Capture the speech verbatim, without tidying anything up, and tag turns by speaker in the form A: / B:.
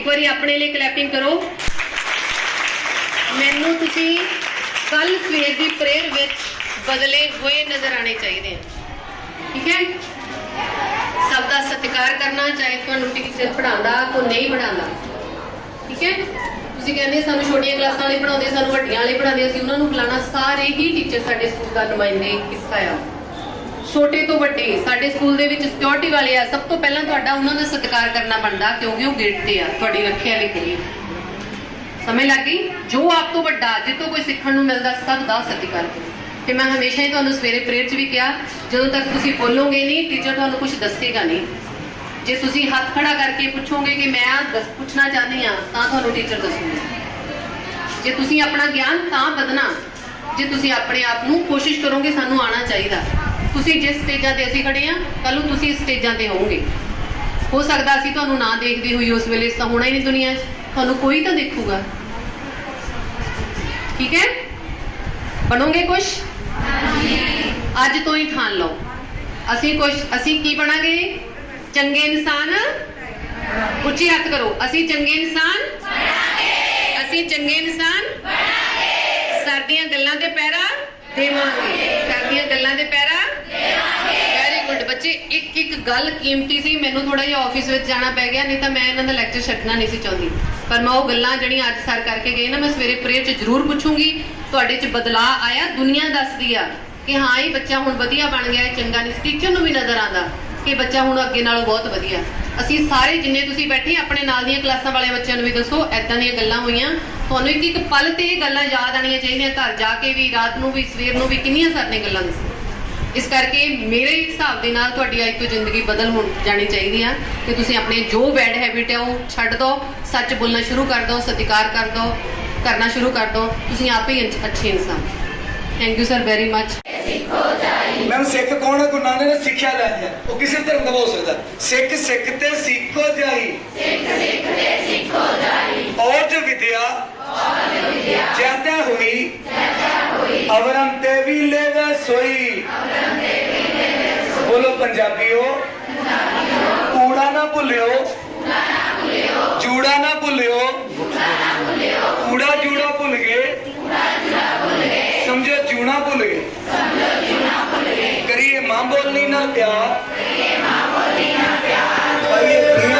A: एक बारी अपने लिए क्लैपिंग करो। मैनू तुसी कल सवेर की प्रेयर विच बदले हुए नजर आने चाहिए, ठीक है। सबका सत्कार करना, चाहे तुहानू टीचर पढ़ांदा कोई नहीं पढ़ांदा, ठीक है। तुसी कहंदे सानू छोटियां क्लासां वाले पढ़ाउंदे, सानू वड्डियां वाले पढ़ाउंदे, असीं उन्हां नू बुलाना। सारे ही टीचर साडे स्कूल दा नुमाइंदे हिस्सा आ, छोटे तो वड्डे। साडे स्कूल दे विच सिक्योरिटी वाले आ, सब तो पहलां तुहाडा उन्हां दा सत्कार करना बनदा, क्योंकि वो गेट ते आ, तुहाडी रखिया लई कोई। समझ लग गई? जो आप तो वड्डा, जितों कोई सीखण नू मिलदा, सब दा सत्कार करो। ते मैं हमेशा ही तुहानू सवेरे प्रेयर च भी कहा, जदों तक तुसी बोलोगे नहीं टीचर तुहानू कुछ दसेगा नहीं। जे तुसी हाथ खड़ा करके पूछोगे कि मैं दस पूछना चाहती हाँ, तां तुहानू टीचर दसूगा। जे तुसी अपना ज्ञान तां बदना जे तुसी अपने आप नू कोशिश करोगे सानू आना चाहिए। तुसी जिस स्टेजां ते असीं खड़े हाँ, कल नू तुसी इस स्टेजां ते होवोगे। हो सकदा असीं तुहानू ना देखदे होई उस वेले तां होना ही नहीं दुनिया च, तुहानू कोई तां देखूगा, ठीक है। बनोगे कुछ? अज तो ही ठान लो, असीं कुछ असीं की बनांगे? चंगे इंसान। उच्ची हथ करो, असीं चंगे इंसान बनांगे, असीं चंगे इंसान बनांगे। सर दीयां गल्लां ते पैरा देवांगे, सर दीयां गल्लां ते पैरा देवांगे। वेरी गुड बच्चे। एक एक गल कीमती सी, मैनू थोड़ा जिहा ऑफिस विच जाना पै गया, नहीं तो मैं इन्हां दा लैक्चर छड्डना नहीं सी चाहुंदी, पर मैं वो गल्लां ਜਿਹੜੀਆਂ ਅੱਜ सर करके गए ना, मैं सवेरे प्रेयर च जरूर पूछूंगी ਤੁਹਾਡੇ ਚ बदलाव आया। दुनिया दसदी आ कि हाँ ये बच्चा हुण वधिया बन गया, चंगा नहीं। टीचर नूं भी नज़र आंदा कि बच्चा हुण अगे नालों बहुत वधिया। असीं सारे जिन्ने तुसीं बैठे अपने नाल दीयां क्लासां वाले बच्चों नूं भी दसो ऐदां दीयां गल्लां होईयां। तुहानूं एक एक पल ते ये गल्लां याद आणीਆਂ ਚਾਹੀਦੀਆਂ, घर जाके भी, रात नूं भी, सवेर नूं भी, किन्नियां सर ने गल्लां दस्सीਆਂ। इस करके मेरे हिसाब के नाल तुहाडी अज तो जिंदगी बदल हो जानी चाहिए आ कि तुसीं अपने जो बैड हैबिट है वो छड्ड दो, सच बोलना शुरू कर दो, सत्कार कर दो, करना शुरू कर दो, तुसीं आप ही अच्छे इंसान। Thank you sir very much.
B: Ma'am सिख कौन है? गुरु नानक ने सिक्ख्या लै है, वो किसी धर्म का हो सकता। सिख सिख ते सीखो जाई, सिख सिख ते सीखो जाई, और जो विद्या ज्यादा हुई अवरम ते भी लेवे सोई। बोलो पंजाबियों, कूड़ा ना भुलियो, जूड़ा ना भुलियो, कूड़ा जूड़ा भुल गए, समझो जूना भुल गए। करिए मां बोलनी ना प्यार, पाइए